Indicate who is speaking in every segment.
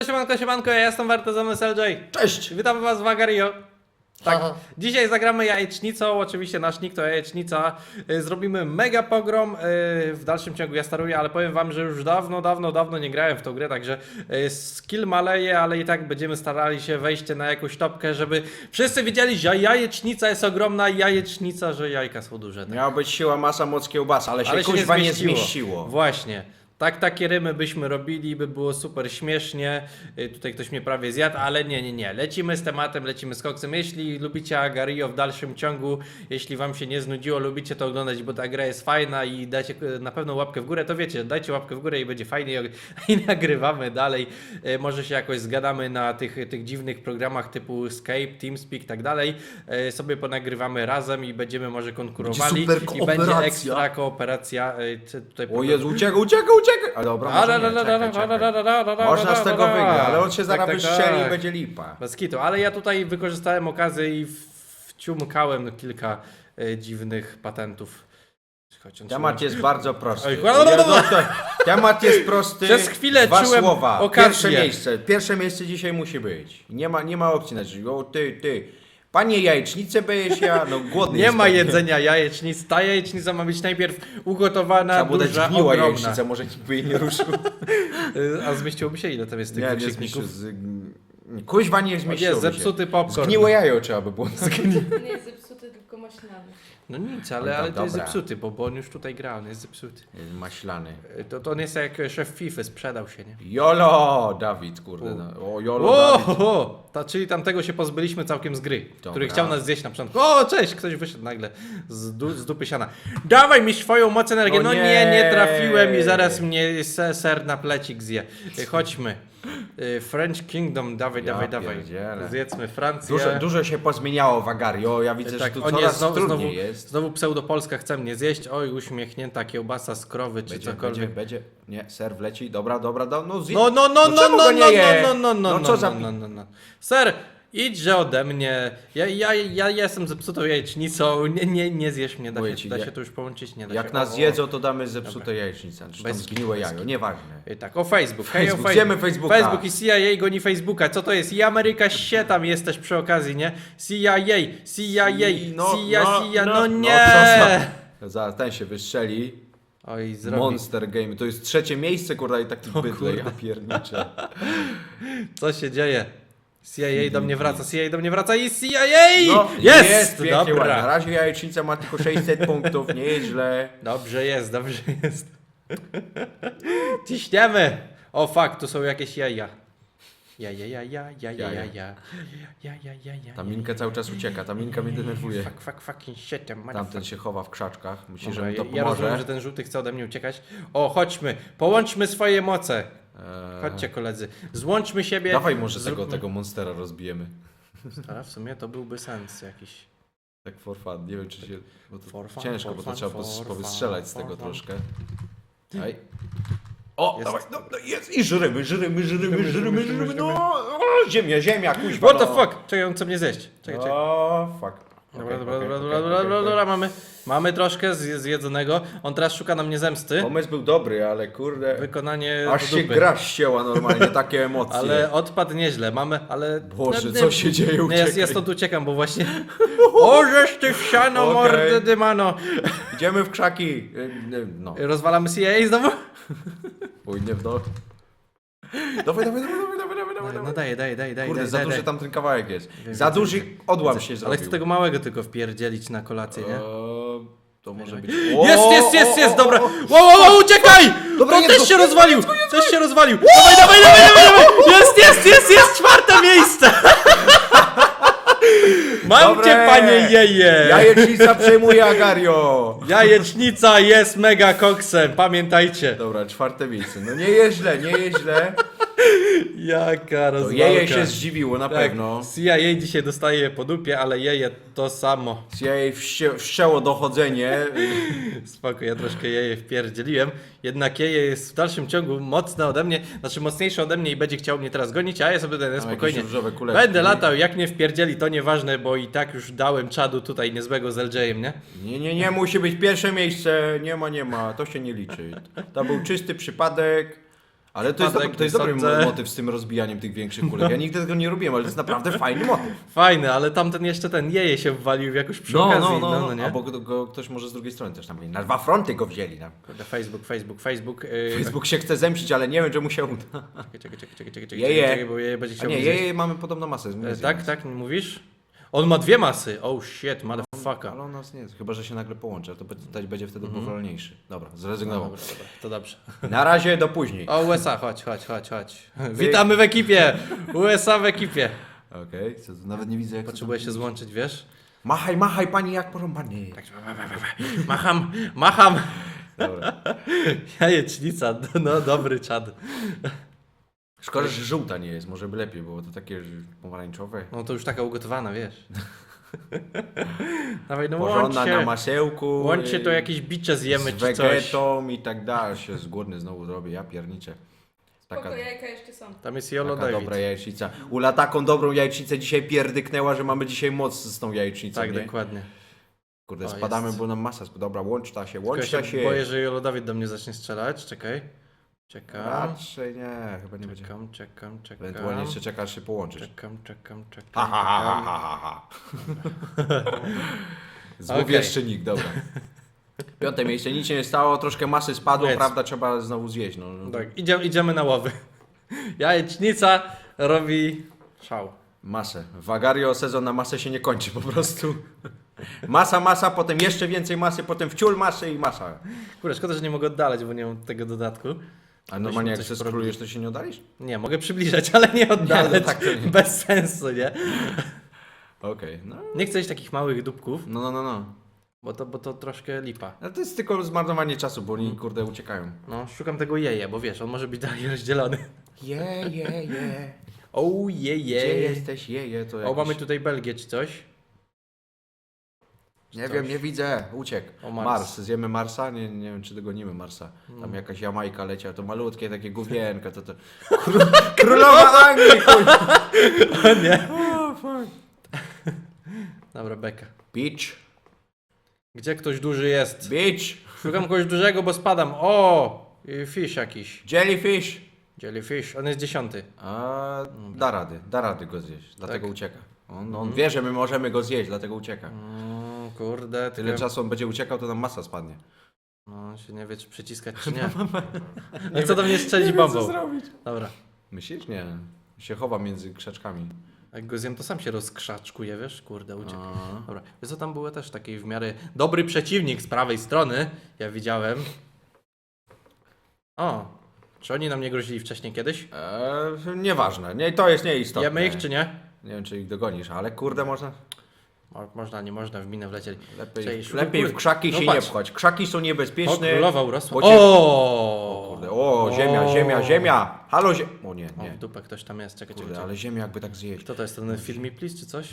Speaker 1: Siemanko, ja jestem Warto Zamysł LJ.
Speaker 2: Cześć!
Speaker 1: Witam was w Agario. Tak,
Speaker 2: Aha.
Speaker 1: dzisiaj zagramy jajecznicą, oczywiście nasz nick to jajecznica. Zrobimy mega pogrom, w dalszym ciągu ja staruję, ale powiem wam, że już dawno nie grałem w tą grę, także skill maleje, ale i tak będziemy starali się wejść na jakąś topkę, żeby wszyscy wiedzieli, że jajecznica jest ogromna i jajecznica, że jajka są duże. Tak?
Speaker 2: Miała być siła, masa, moc, kiełbasa, ale się kuźwa nie zmieściło.
Speaker 1: Właśnie. Takie rymy byśmy robili, by było super śmiesznie. Tutaj ktoś mnie prawie zjadł, ale nie. Lecimy z tematem, lecimy z koksem. Jeśli lubicie Agario w dalszym ciągu, jeśli wam się nie znudziło, lubicie to oglądać, bo ta gra jest fajna i dajcie na pewno łapkę w górę, to wiecie, dajcie łapkę w górę i będzie fajnie i nagrywamy dalej. Może się jakoś zgadamy na tych dziwnych programach typu Skype, TeamSpeak i tak dalej. Sobie ponagrywamy razem i będziemy może konkurowali.
Speaker 2: Będzie super
Speaker 1: I będzie
Speaker 2: kooperacja.
Speaker 1: ekstra kooperacja. Tutaj
Speaker 2: O Jezu, uciekaj! A dobra, może nie, czekaj. Można z tego wygrać, ale on się zaraz wystrzeli i będzie lipa.
Speaker 1: Bez kitu, ale ja tutaj wykorzystałem okazję i wciumkałem kilka dziwnych patentów. Chodź,
Speaker 2: Temat jest bardzo prosty.
Speaker 1: Oj,
Speaker 2: Temat jest prosty.
Speaker 1: Przez chwilę
Speaker 2: Dwa
Speaker 1: czułem
Speaker 2: słowa.
Speaker 1: okazję.
Speaker 2: Pierwsze miejsce dzisiaj musi być. Nie ma opcji na życie. O ty. Panie jajecznicę będziesz ja, no głodny
Speaker 1: Nie
Speaker 2: jest
Speaker 1: ma
Speaker 2: pewnie.
Speaker 1: jedzenia jajecznic. Ta jajecznica ma być najpierw ugotowana,
Speaker 2: Trzeba było dać
Speaker 1: duża,
Speaker 2: gniła
Speaker 1: ogromna.
Speaker 2: jajecznicę, może nikt by jej nie ruszył.
Speaker 1: A zmieściłoby się ile tam jest tych
Speaker 2: Nie
Speaker 1: wykrzykników?
Speaker 2: Kuźwa nie zmieściło
Speaker 1: Jest zepsuty popcorn.
Speaker 2: Zgniłe jajo trzeba by było.
Speaker 3: Nie jest zepsuty, tylko maślany.
Speaker 1: No nic,
Speaker 2: No
Speaker 1: ale to jest
Speaker 2: dobra.
Speaker 1: zepsuty, bo on już tutaj gra, on jest zepsuty.
Speaker 2: Maślany.
Speaker 1: To on jest jak szef FIFA, sprzedał się, nie?
Speaker 2: Jolo, Dawid, kurde. No. O, Jolo, Dawid.
Speaker 1: Czyli tamtego się pozbyliśmy całkiem z gry,
Speaker 2: Dobra.
Speaker 1: który chciał nas zjeść na początku. O, cześć! Ktoś wyszedł nagle z dupy siana. Dawaj mi swoją moc energię.
Speaker 2: No
Speaker 1: No
Speaker 2: nie.
Speaker 1: nie trafiłem i zaraz mnie ser na plecik zje. Chodźmy. French Kingdom, dawaj.
Speaker 2: pierdzielę.
Speaker 1: Zjedzmy Francję.
Speaker 2: Dużo się pozmieniało w Agario. Ja widzę,
Speaker 1: Tak,
Speaker 2: że tu
Speaker 1: o nie,
Speaker 2: coraz
Speaker 1: znowu
Speaker 2: trudniej jest.
Speaker 1: Znowu pseudopolska chce mnie zjeść. Oj, uśmiechnięta kiełbasa z krowy czy cokolwiek.
Speaker 2: Będzie. Nie, ser wleci. Dobra. No,
Speaker 1: No,
Speaker 2: czemu go nie je?
Speaker 1: no,
Speaker 2: co za...
Speaker 1: no. Ser, idźże ode mnie. Ja jestem zepsutą jajecznicą. Nie zjesz mnie.
Speaker 2: Mówię ci,
Speaker 1: Da się to już połączyć? Nie da się.
Speaker 2: Jak nas jedzą, to damy zepsute jajecznicę. Czy tam
Speaker 1: Bez
Speaker 2: zgniłe
Speaker 1: kitu,
Speaker 2: jajo, nieważne.
Speaker 1: Tak, o Facebook. Hej,
Speaker 2: Facebook.
Speaker 1: o
Speaker 2: Wiemy Facebooka.
Speaker 1: Facebook i CIA goni Facebooka. Co to jest? I Ameryka się tam jesteś przy okazji, nie? CIA, no nie!
Speaker 2: Zaraz ten się wystrzeli.
Speaker 1: Oj, zrobi.
Speaker 2: Monster Game. To jest trzecie miejsce, kurwa, i taki bydlej, ja pierniczę.
Speaker 1: Co się dzieje? CIA do mnie wraca i CIA!
Speaker 2: No,
Speaker 1: Jest!
Speaker 2: pięknie, ładnie. Na
Speaker 1: Dobra.
Speaker 2: razie jajecznica ma tylko 600 punktów, nie jest źle.
Speaker 1: Dobrze jest. Ciśniemy! O fuck, tu są jakieś jaja. Ja.
Speaker 2: Ta Minka cały czas ucieka, ta Minka mnie denerwuje.
Speaker 1: Fucking shit,
Speaker 2: Tamten się chowa w krzaczkach, myśli, że
Speaker 1: Dobra,
Speaker 2: mi to
Speaker 1: ja rozumiem,
Speaker 2: pomoże.
Speaker 1: że ten żółty chce ode mnie uciekać. O, chodźmy, połączmy swoje moce. Chodźcie koledzy, złączmy siebie.
Speaker 2: Dawaj może
Speaker 1: zróbmy-
Speaker 2: tego monstera rozbijemy.
Speaker 1: Ale w sumie to byłby sens jakiś.
Speaker 2: Tak for fun, nie wiem czy się... Bo to
Speaker 1: For fun,
Speaker 2: ciężko,
Speaker 1: for
Speaker 2: bo to
Speaker 1: fun,
Speaker 2: trzeba
Speaker 1: for
Speaker 2: powystrzelać z
Speaker 1: fun,
Speaker 2: tego
Speaker 1: for fun.
Speaker 2: troszkę. Daj. O,
Speaker 1: Jest.
Speaker 2: dawaj, no jest i żyrymy, no, o, ziemia, kuźwa,
Speaker 1: What the
Speaker 2: no.
Speaker 1: fuck? Czekaj, on chce mnie zjeść. Czekaj.
Speaker 2: O, fuck.
Speaker 1: Dobra, mamy troszkę zjedzonego. On teraz szuka na mnie zemsty.
Speaker 2: Pomysł był dobry, ale kurde,
Speaker 1: Wykonanie
Speaker 2: aż
Speaker 1: do
Speaker 2: się
Speaker 1: dupy.
Speaker 2: gra ścięła normalnie, takie emocje.
Speaker 1: Ale odpadł nieźle, ale...
Speaker 2: Boże, co się dzieje,
Speaker 1: Nie,
Speaker 2: uciekaj.
Speaker 1: ja stąd uciekam, bo właśnie... O, żeś ty wsiano,
Speaker 2: Okej.
Speaker 1: mordy dymano!
Speaker 2: Idziemy w krzaki. No,
Speaker 1: Rozwalamy CIA znowu?
Speaker 2: pójdę w dół. Dawaj.
Speaker 1: No daj.
Speaker 2: Kurde, za duży tam ten kawałek jest.
Speaker 1: Wiem,
Speaker 2: Za
Speaker 1: widzę,
Speaker 2: duży
Speaker 1: widzę.
Speaker 2: odłam się
Speaker 1: Ale
Speaker 2: zrobił.
Speaker 1: chcę tego małego tylko wpierdzielić na kolację, nie?
Speaker 2: To może być...
Speaker 1: Jest, dobra! Wow, uciekaj!
Speaker 2: Dobra,
Speaker 1: To
Speaker 2: jedz
Speaker 1: też
Speaker 2: go.
Speaker 1: się rozwalił! Też się rozwalił! Dawaj! Jest! Czwarte miejsce! Mam
Speaker 2: Dobre.
Speaker 1: cię, panie jeje!
Speaker 2: Jajecznica przejmuje Agario.
Speaker 1: Jajecznica jest mega koksem, pamiętajcie.
Speaker 2: Dobra, czwarte miejsce. No nie jest źle.
Speaker 1: Jaka
Speaker 2: To
Speaker 1: rozwalka.
Speaker 2: jeje się zdziwiło na
Speaker 1: Tak,
Speaker 2: pewno.
Speaker 1: CIA dzisiaj dostaje po dupie, ale jeje to samo.
Speaker 2: Jej wszczęło dochodzenie.
Speaker 1: Spoko, ja troszkę jeje wpierdzieliłem. Jednak jeje jest w dalszym ciągu mocne ode mnie, znaczy mocniejsze ode mnie i będzie chciał mnie teraz gonić, a ja sobie będę spokojnie.
Speaker 2: jakieś różowe kuleczki.
Speaker 1: Będę latał, jak nie wpierdzieli, to nieważne, bo i tak już dałem czadu tutaj niezłego z LJ-em, nie?
Speaker 2: Nie, musi być pierwsze miejsce. Nie ma. To się nie liczy. To był czysty przypadek. Ale to jest,
Speaker 1: Spadek,
Speaker 2: to jest dobry
Speaker 1: sądzę.
Speaker 2: motyw z tym rozbijaniem tych większych kulek. Ja nigdy tego nie robiłem, ale to jest naprawdę fajny motyw.
Speaker 1: Fajny, ale tamten jeszcze ten jeje się wwalił jakoś przy okazji. No, nie?
Speaker 2: Albo go ktoś może z drugiej strony też tam mieli. Na 2 fronty go wzięli. No.
Speaker 1: Kurde, Facebook.
Speaker 2: Facebook się chce zemścić, ale nie wiem, czy mu się uda.
Speaker 1: Czekaj,
Speaker 2: Jeje.
Speaker 1: bo jeje będzie
Speaker 2: A
Speaker 1: chciał
Speaker 2: nie,
Speaker 1: mnie zjeść.
Speaker 2: jej mamy podobną masę.
Speaker 1: Tak, mówisz? On ma 2 masy. Oh shit, motherfucker.
Speaker 2: Ale on nas nie, chyba że się nagle połączy, to będzie wtedy powolniejszy. Dobra,
Speaker 1: No,
Speaker 2: zrezygnował.
Speaker 1: dobra, to dobrze.
Speaker 2: Na razie do później.
Speaker 1: O, USA, chodź. Witamy w ekipie! USA w ekipie.
Speaker 2: Okej, co tu nawet nie widzę jak
Speaker 1: Potrzebuję się złączyć, wiesz?
Speaker 2: Machaj pani jak porąbany.
Speaker 1: Tak, macham.
Speaker 2: Dobra.
Speaker 1: Jajecznica, no dobry czad.
Speaker 2: Szkoda, że żółta nie jest, może by lepiej było, to takie pomarańczowe.
Speaker 1: No to już taka ugotowana, wiesz. Dawaj, no
Speaker 2: Porządna na
Speaker 1: łączcie.
Speaker 2: masełku.
Speaker 1: Łączcie to jakieś bicze zjemy
Speaker 2: z
Speaker 1: czy coś.
Speaker 2: wegetą i tak dalej. Się z głodny znowu zrobię, ja pierniczę.
Speaker 3: Spoko,
Speaker 2: Taka,
Speaker 3: jajka jeszcze są.
Speaker 1: Tam jest Jolo
Speaker 2: taka
Speaker 1: David.
Speaker 2: dobra jajecznica. Ula taką dobrą jajecznicę dzisiaj pierdyknęła, że mamy dzisiaj moc z tą jajecznicą,
Speaker 1: Tak,
Speaker 2: nie?
Speaker 1: dokładnie.
Speaker 2: Kurde,
Speaker 1: O,
Speaker 2: spadamy,
Speaker 1: jest.
Speaker 2: bo nam masa dobra, łącz ta się,
Speaker 1: Tylko
Speaker 2: łącz ta się.
Speaker 1: boję, że Jolo David do mnie zacznie strzelać. Czekaj. Czekam.
Speaker 2: Raczej nie, chyba nie będzie.
Speaker 1: Czekam.
Speaker 2: Ewentualnie jeszcze czekasz się połączyć.
Speaker 1: Czekam.
Speaker 2: Ha, ha, ha, ha, ha, ha. Złowieszczynik, dobra. 5. miejsce, nic się nie stało, troszkę masy spadło,
Speaker 1: Jedz.
Speaker 2: prawda, trzeba znowu zjeść. No.
Speaker 1: Tak, idziemy na łowy. Jajecznica robi szał.
Speaker 2: Masę. Wagario sezon na masę się nie kończy po prostu. Masa, potem jeszcze więcej masy, potem wciul masy i masa.
Speaker 1: Kurde, szkoda, że nie mogę oddalać, bo nie mam tego dodatku.
Speaker 2: A normalnie jak
Speaker 1: coś
Speaker 2: się skrólujesz, to się nie oddalisz?
Speaker 1: Nie, mogę przybliżać, ale nie oddalać.
Speaker 2: No, tak to nie.
Speaker 1: Bez sensu, nie?
Speaker 2: Okej, no.
Speaker 1: Nie chcę jeść takich małych dupków,
Speaker 2: No.
Speaker 1: bo to troszkę lipa.
Speaker 2: Ale to jest tylko zmarnowanie czasu, bo oni kurde uciekają.
Speaker 1: No, szukam tego jeje, bo wiesz, on może być dalej rozdzielony.
Speaker 2: Je.
Speaker 1: O,
Speaker 2: Gdzie
Speaker 1: jeje.
Speaker 2: jesteś, je, to
Speaker 1: O,
Speaker 2: jakiś...
Speaker 1: mamy tutaj Belgię czy coś.
Speaker 2: Nie wiem, nie widzę, uciekł.
Speaker 1: O, Mars.
Speaker 2: Mars, zjemy Marsa? Nie wiem, czy dogonimy Marsa.
Speaker 1: No.
Speaker 2: Tam jakaś Jamajka leciała, to malutkie takie główienko, to... Królowa Anglii, chuj.
Speaker 1: O nie. Dobra, beka.
Speaker 2: Beach,
Speaker 1: Gdzie ktoś duży jest?
Speaker 2: beach,
Speaker 1: Szukam kogoś dużego, bo spadam. O! Fish jakiś.
Speaker 2: jellyfish.
Speaker 1: Jellyfish, on jest 10.
Speaker 2: A, da rady go zjeść, dlatego
Speaker 1: Tak.
Speaker 2: ucieka. On wie, że my możemy go zjeść, dlatego ucieka.
Speaker 1: Kurde,
Speaker 2: Tyle czasu on będzie uciekał, to nam masa spadnie.
Speaker 1: No, się nie wie, czy przyciskać, czy nie. No co do mnie strzelić bombą.
Speaker 2: zrobić.
Speaker 1: Dobra.
Speaker 2: Myślisz? Nie. Się chowa między krzaczkami.
Speaker 1: Jak go zjem, to sam się rozkrzaczkuje, wiesz? Kurde, uciekł.
Speaker 2: A.
Speaker 1: Dobra. Wiesz co, tam był też taki w miarę dobry przeciwnik z prawej strony. Ja widziałem. O! Czy oni nam nie grozili wcześniej kiedyś?
Speaker 2: Nieważne, nie, to jest nieistotne.
Speaker 1: Jemy ich, czy nie?
Speaker 2: Nie wiem, czy ich dogonisz, ale kurde, można.
Speaker 1: Można, nie można, w minę wlecieli.
Speaker 2: Lepiej,
Speaker 1: Cześć,
Speaker 2: lepiej w
Speaker 1: kurde.
Speaker 2: krzaki
Speaker 1: No
Speaker 2: się
Speaker 1: patrz.
Speaker 2: nie pchać. Krzaki są
Speaker 1: O,
Speaker 2: niebezpieczne.
Speaker 1: królowa urosła.
Speaker 2: bo cię-
Speaker 1: O!
Speaker 2: Kurde, o, ziemia. Halo, O nie,
Speaker 1: O,
Speaker 2: nie.
Speaker 1: w dupę ktoś tam jest, czekaj.
Speaker 2: Kurde, ale ziemia jakby tak zjeść.
Speaker 1: Kto to jest, ten Feed Me Please, czy coś?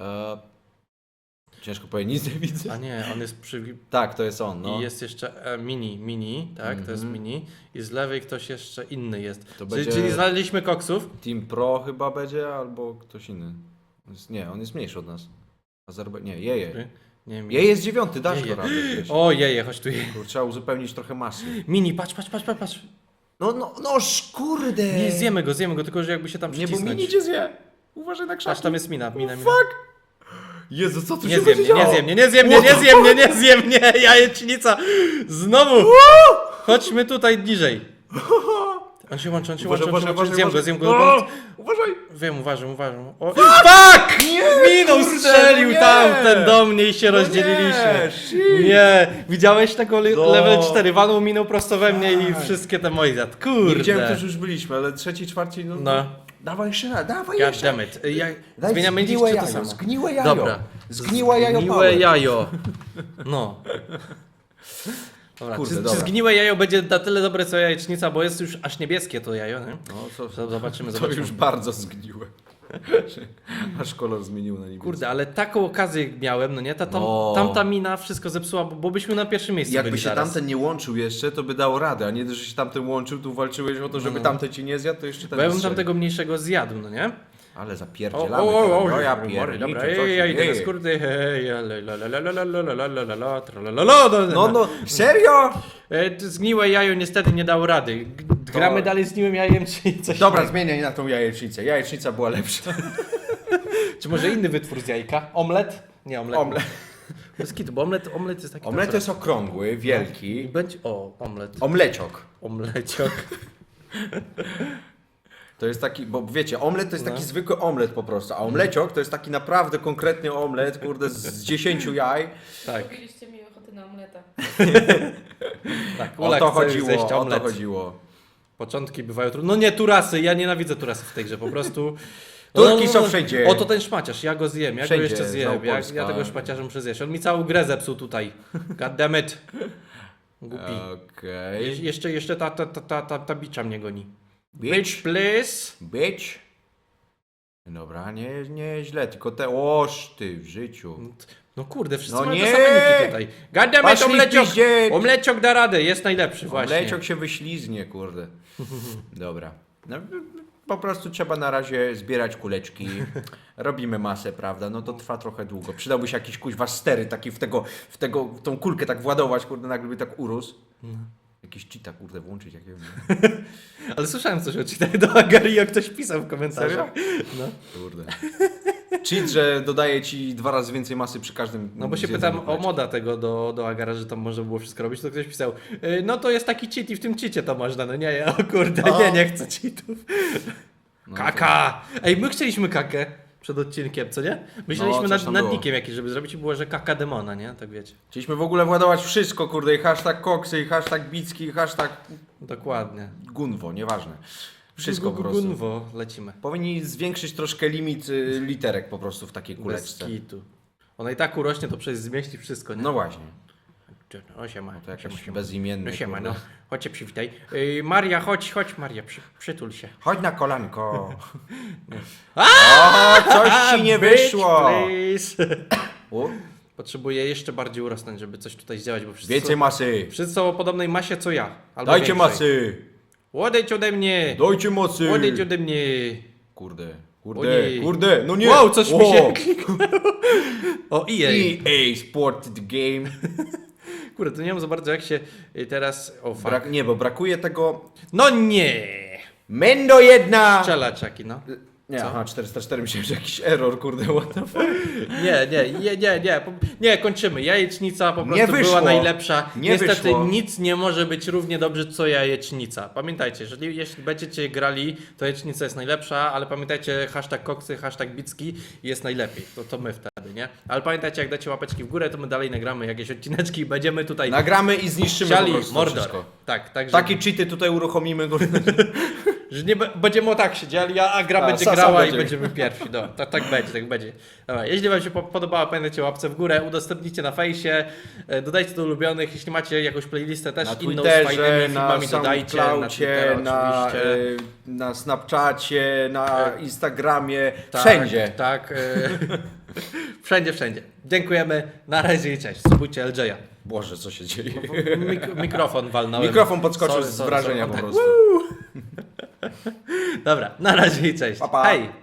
Speaker 2: Ciężko powiedzieć, nic nie widzę.
Speaker 1: A nie, on jest przy...
Speaker 2: Tak, to jest on, no.
Speaker 1: I jest jeszcze mini, tak, to jest mini. I z lewej ktoś jeszcze inny jest.
Speaker 2: To
Speaker 1: Czyli,
Speaker 2: będzie-
Speaker 1: czyli znaleźliśmy koksów.
Speaker 2: Team Pro chyba będzie, albo ktoś inny. On jest mniejszy od nas. Nie, jeje.
Speaker 1: Nie wiem.
Speaker 2: Jeje jest 9, dasz
Speaker 1: Jeje.
Speaker 2: go radę zjeść.
Speaker 1: O, jeje, chodź tu jeje.
Speaker 2: Kurczę, trzeba uzupełnić trochę masy.
Speaker 1: Mini, patrz.
Speaker 2: No, kurde!
Speaker 1: Nie, zjemy go, tylko że jakby się tam
Speaker 2: Nie, bo
Speaker 1: przycisnąć.
Speaker 2: mini cię zje. Uważaj na krzaki.
Speaker 1: Patrz, tam jest mina.
Speaker 2: Fuck! Jezu, co tu
Speaker 1: Nie
Speaker 2: się
Speaker 1: zjem
Speaker 2: będzie
Speaker 1: mnie,
Speaker 2: działo?
Speaker 1: nie zjem mnie, jajecznica. Znowu. Chodźmy tutaj bliżej. On się łączy, Zjem go.
Speaker 2: Uważaj!
Speaker 1: Wiem, uważam. O, fuck! Minął, strzelił
Speaker 2: nie!
Speaker 1: tamten do mnie i się rozdzieliliśmy.
Speaker 2: Nie, shit.
Speaker 1: Nie, widziałeś tego
Speaker 2: No.
Speaker 1: level 4, walnął, minął prosto we mnie i wszystkie te moje zjadł.
Speaker 2: Nie widziałem,
Speaker 1: Kurde.
Speaker 2: też już byliśmy, ale trzeci, czwarty, no.
Speaker 1: No.
Speaker 2: Dawaj jeszcze raz, dawaj
Speaker 1: God
Speaker 2: jeszcze.
Speaker 1: damn it.
Speaker 2: Daj
Speaker 1: Zmieniamy dziś,
Speaker 2: zgniłe
Speaker 1: czy to
Speaker 2: jajo,
Speaker 1: samo?
Speaker 2: zgniłe jajo.
Speaker 1: Dobra.
Speaker 2: Zgniłe jajo
Speaker 1: Zgniłe
Speaker 2: power.
Speaker 1: jajo. No. Dobra,
Speaker 2: Kurde,
Speaker 1: czy
Speaker 2: dobra.
Speaker 1: zgniłe jajo będzie na tyle dobre co jajecznica, bo jest już aż niebieskie to jajo, nie?
Speaker 2: No,
Speaker 1: Zobaczymy.
Speaker 2: to już bardzo zgniłe. Aż kolor zmienił na niebieski.
Speaker 1: Kurde, ale taką okazję miałem, no nie?
Speaker 2: No.
Speaker 1: Tamta mina wszystko zepsuła, bo byśmy na pierwszym miejscu
Speaker 2: Jakby
Speaker 1: byli
Speaker 2: się
Speaker 1: zaraz.
Speaker 2: tamten nie łączył jeszcze, to by dało radę, a nie, że się tamten łączył, tu walczyłeś o to, żeby tamten ci nie zjadł, to jeszcze ten
Speaker 1: Bo ja bym
Speaker 2: strzelił.
Speaker 1: tamtego mniejszego zjadł, no nie?
Speaker 2: Ale zapierdzielamy teraz. No ja
Speaker 1: Dobra,
Speaker 2: pierniczę, co się
Speaker 1: ja idę na
Speaker 2: dzieje?
Speaker 1: skróty,
Speaker 2: No, serio?
Speaker 1: Zgniłe jajo niestety nie dało rady. Gramy dalej z zgniłym jajem, czy coś
Speaker 2: Dobra,
Speaker 1: innego?
Speaker 2: zmieniaj na tą jajecznicę. Jajecznica była lepsza.
Speaker 1: Czy może inny wytwór z jajka? Omlet? Nie, omlet.
Speaker 2: Omlet.
Speaker 1: Bez kitu, bo omlet jest taki...
Speaker 2: Omlet jest okrągły,
Speaker 1: I
Speaker 2: wielki.
Speaker 1: będzie... O, omlet.
Speaker 2: Omleciok.
Speaker 1: Omleciok.
Speaker 2: To jest taki, bo wiecie, omlet to jest taki
Speaker 1: No.
Speaker 2: zwykły omlet po prostu, a omleciok to jest taki naprawdę konkretny omlet, kurde, z 10 jaj.
Speaker 1: Tak,
Speaker 3: Zrobiliście mi ochotę na omleta.
Speaker 1: tak.
Speaker 2: O
Speaker 1: Ula
Speaker 2: to
Speaker 1: chce
Speaker 2: chodziło,
Speaker 1: zjeść
Speaker 2: o to
Speaker 1: omlet.
Speaker 2: chodziło.
Speaker 1: Początki bywają trudne. No nie, turasy, ja nienawidzę turasów w tej grze, po prostu...
Speaker 2: Turki są wszędzie.
Speaker 1: Oto ten szmaciarz, ja go zjem, ja
Speaker 2: Wszędzie,
Speaker 1: go jeszcze zjem,
Speaker 2: znowu
Speaker 1: ja
Speaker 2: Polska.
Speaker 1: tego szmaciarza muszę zjeść. On mi całą grę zepsuł tutaj. God damn it. Głupi.
Speaker 2: Okej.
Speaker 1: Jeszcze ta bicza mnie goni.
Speaker 2: Bitch.
Speaker 1: Bitch, please.
Speaker 2: Bitch. Dobra, nie źle, tylko te oż ty w życiu.
Speaker 1: No kurde, wszyscy
Speaker 2: No
Speaker 1: mają
Speaker 2: nie!
Speaker 1: te same niki tutaj. God damn it,
Speaker 2: Poszli w
Speaker 1: omleciok!
Speaker 2: piździe!
Speaker 1: Omleciok da radę, jest najlepszy właśnie.
Speaker 2: Omleciok się wyślizgnie, kurde. Dobra. No, po prostu trzeba na razie zbierać kuleczki. Robimy masę, prawda? No to trwa trochę długo. Przydałby się jakiś kuźwa stery taki w tą kulkę tak władować, kurde, nagle by tak urósł. Jakiś cheata, kurde, włączyć jakiegoś.
Speaker 1: Ale słyszałem coś o czytaniu do Agario, ktoś pisał w komentarzach. No.
Speaker 2: Kurde. Cheat, że dodaje ci 2 razy więcej masy przy każdym.
Speaker 1: No bo się
Speaker 2: zjedzeniu
Speaker 1: pytam o
Speaker 2: kuleczki.
Speaker 1: moda tego do Agara, że tam można było wszystko robić, to ktoś pisał, no to jest taki cheat i w tym cheacie to można, no nie, o kurde, nie chcę cheatów.
Speaker 2: No
Speaker 1: Kaka! Ej, my chcieliśmy kakę przed odcinkiem, co nie? Myśleliśmy
Speaker 2: No, coś tam
Speaker 1: nad
Speaker 2: było.
Speaker 1: nikiem jakiś, żeby zrobić i było, że kaka demona, nie? Tak wiecie.
Speaker 2: Chcieliśmy w ogóle władować wszystko, kurde, i hashtag koksy, i hashtag bicki, i hashtag
Speaker 1: Dokładnie.
Speaker 2: gunwo, nieważne. Wszystko po prostu.
Speaker 1: Gunwo, lecimy.
Speaker 2: Powinni zwiększyć troszkę limit literek po prostu w takiej
Speaker 1: Bez
Speaker 2: kuleczce.
Speaker 1: kitu. Ona i tak urośnie, to przecież zmieści wszystko, nie?
Speaker 2: No właśnie.
Speaker 1: O siema.
Speaker 2: No to jakaś
Speaker 1: siema.
Speaker 2: bezimienny.
Speaker 1: No siema,
Speaker 2: kurde.
Speaker 1: no. Chodźcie, przywitaj. Maria, chodź Maria, przytul się.
Speaker 2: Chodź na kolanko.
Speaker 1: A!
Speaker 2: O, coś ci nie
Speaker 1: Bitch,
Speaker 2: wyszło.
Speaker 1: please.
Speaker 2: O,
Speaker 1: Potrzebuję jeszcze bardziej urosnąć, żeby coś tutaj zdziałać, bo
Speaker 2: więcej masy.
Speaker 1: wszyscy są o podobnej masie co ja. Albo
Speaker 2: Dajcie
Speaker 1: większej.
Speaker 2: masy.
Speaker 1: Odejdź ode mnie!
Speaker 2: Dajcie masy.
Speaker 1: Odejdź ode mnie!
Speaker 2: Kurde,
Speaker 1: Ojej.
Speaker 2: kurde, no nie.
Speaker 1: Wow, coś mi się
Speaker 2: O,
Speaker 1: O, EA!
Speaker 2: EA Sport the Game.
Speaker 1: Kurde, to nie wiem za bardzo jak się teraz... O, fuck.
Speaker 2: Nie, bo brakuje tego
Speaker 1: No nie!
Speaker 2: Mendo jedna.
Speaker 1: Strzelaczaki, no.
Speaker 2: Nie,
Speaker 1: Co?
Speaker 2: aha, 404 myślałem, że jakiś error, kurde, what the fuck.
Speaker 1: Nie, kończymy. Jajecznica po
Speaker 2: Nie
Speaker 1: prostu
Speaker 2: wyszło.
Speaker 1: była najlepsza.
Speaker 2: Nie
Speaker 1: Niestety
Speaker 2: wyszło.
Speaker 1: nic nie może być równie dobrze co jajecznica. Pamiętajcie, jeśli będziecie grali, to jajecznica jest najlepsza, ale pamiętajcie hashtag koksy, hashtag bicki jest najlepiej. To my wtedy, nie? Ale pamiętajcie, jak dacie łapeczki w górę, to my dalej nagramy jakieś odcineczki i będziemy tutaj
Speaker 2: Nagramy i zniszczymy po
Speaker 1: siali
Speaker 2: prostu
Speaker 1: Mordor.
Speaker 2: wszystko.
Speaker 1: Tak, także
Speaker 2: Takie cheaty tutaj uruchomimy.
Speaker 1: że nie będziemy o tak siedzieli, a gra
Speaker 2: A,
Speaker 1: będzie
Speaker 2: sam
Speaker 1: grała i
Speaker 2: będzie.
Speaker 1: będziemy pierwsi. No, tak będzie. Dobra, jeśli wam się podobało, pamiętajcie o łapce w górę, udostępnicie na fejsie, dodajcie do ulubionych, jeśli macie jakąś playlistę też
Speaker 2: Na
Speaker 1: inną z fajnymi
Speaker 2: Twitterze, na
Speaker 1: filmami, dodajcie, na
Speaker 2: SoundCloudzie,
Speaker 1: Twittera
Speaker 2: na,
Speaker 1: oczywiście.
Speaker 2: na Snapchacie, na Instagramie,
Speaker 1: Tak,
Speaker 2: wszędzie.
Speaker 1: Tak, wszędzie. Dziękujemy, na razie i cześć. Subujcie LJ-a.
Speaker 2: Boże, co się dzieje?
Speaker 1: Mikrofon walnąłem.
Speaker 2: Mikrofon podskoczył
Speaker 1: Sorry,
Speaker 2: z wrażenia
Speaker 1: sorry.
Speaker 2: po
Speaker 1: Tak.
Speaker 2: prostu.
Speaker 1: Dobra, na razie i cześć.
Speaker 2: Pa, pa.
Speaker 1: Hej!